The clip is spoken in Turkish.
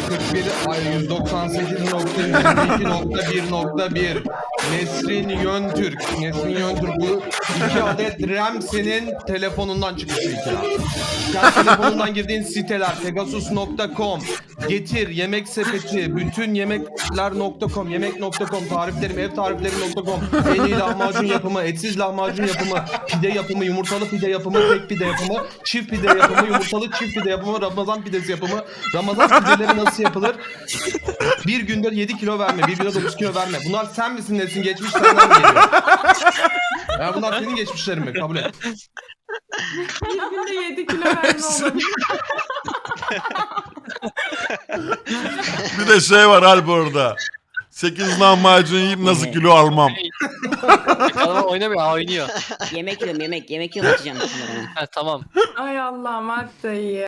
141 ay 198.22.1.1 Nesrin Yöntürk. Nesrin Yöntürk bu 2 adet RAM senin telefonundan çıkmış bir kira. Sen telefonundan girdiğin siteler pegasus.com, Getir, Yemek Sepeti, bütün yemekler.com, yemek.com, tariflerim, ev tariflerim.com, en iyi lahmacun yapımı, etsiz lahmacun yapımı, pide yapımı, yumurtalı pide yapımı, tek pide yapımı, çift pide yapımı, yumurtalı çift pide yapımı, Ramazan pidesi yapımı, Ramazan pideleri nasıl yapılır? Bir günde 7 kilo verme, bir günde 9 kilo verme. Bunlar sen misin Nesin? Geçmiş senden geliyor. Ya bunlar senin geçmişlerin mi? Kabul et. Bir günde 7 kilo verme olabilir. Bir de şey var Alp orada. 8 lahmacun yiyip nasıl kilo almam. Adam oynamıyor, oynuyor. Yemek yiyorum yemek yiyorum atacağım. Ha, tamam. Ay Allah'ım hatta iyi.